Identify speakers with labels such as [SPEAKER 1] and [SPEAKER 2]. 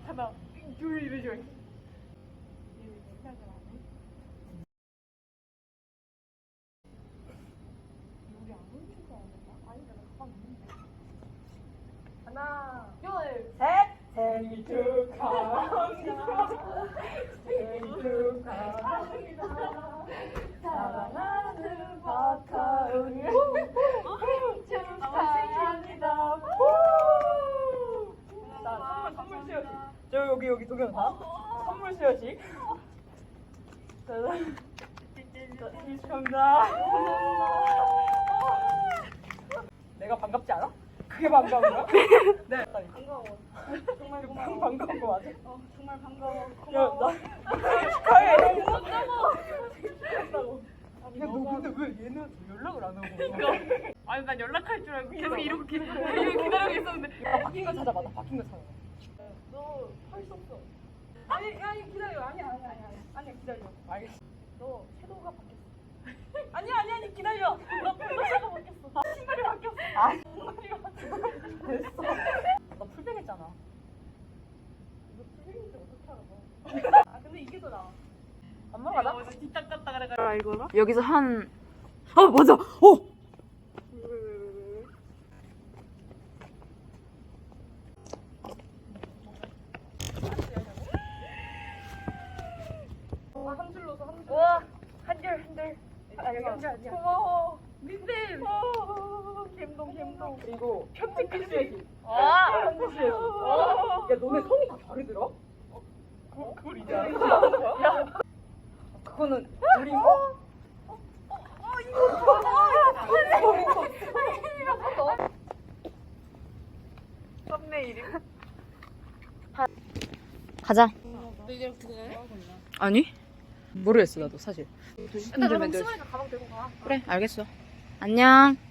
[SPEAKER 1] 하나, 둘 이러죠. 하나, 둘, 셋. 생일 축하합니다. 생일 축하합니다. 사랑하는 박하은이 생일 축하합니다. 자, 선물 수여식. 저 여기 동영상. 선물 수여식. 생일 축하합니다. 내가 반갑지 않아? 그게 반가운 거야? 네.
[SPEAKER 2] 반가워. 정말 고마워.
[SPEAKER 1] 반가운 거 맞아?
[SPEAKER 2] 정말 반가워.
[SPEAKER 1] 야,
[SPEAKER 2] 고마워.
[SPEAKER 1] 나 축하해.
[SPEAKER 2] 고맙다고.
[SPEAKER 1] 야, 너 근데 왜 얘는 연락을 안 하고?
[SPEAKER 2] 아니 난 연락할 줄 알고 계속 이렇게 기다리고 있었는데.
[SPEAKER 1] 야, 바뀐 거 찾아봐. 나 바뀐 거 찾아봐.
[SPEAKER 2] 너 할 수 없어. 아니 기다려. 아니야 기다려.
[SPEAKER 1] 알겠어.
[SPEAKER 2] 너 섀도우가 바뀌었어. 아니 기다려. 너 컬러가 바뀌었어. 신발이 바뀌었어. 신발이 바뀌었어.
[SPEAKER 1] 됐어. 나 풀백했잖아.
[SPEAKER 2] 이거 풀리는지 어떻게 알아? 아 근데 이게 더 나아.
[SPEAKER 1] 안 먹어라?
[SPEAKER 2] 어제 뒷딱 갔다 그래가지고 이거나?
[SPEAKER 1] 여기서 한. 맞아.
[SPEAKER 2] 한 줄 넣어서 한 줄.
[SPEAKER 1] 우와, 한 줄. 아, 여기 한 줄.
[SPEAKER 2] 고마워. 민쌤. 감동.
[SPEAKER 1] 그리고 편지 글씨야지.
[SPEAKER 2] 아.
[SPEAKER 1] 편지 글씨야지. 야, 너네 성이 다 다르더라?
[SPEAKER 2] 그걸 이제 아는 거야?
[SPEAKER 1] 그거는 우리 거?
[SPEAKER 2] 썸네일이.
[SPEAKER 3] 가자.
[SPEAKER 2] 너 이제 어떻게 해?
[SPEAKER 3] 아니? 모르겠어 나도 사실.
[SPEAKER 2] 일단 그럼 심하니까 가방 들고 가.
[SPEAKER 3] 그래 알겠어. 안녕.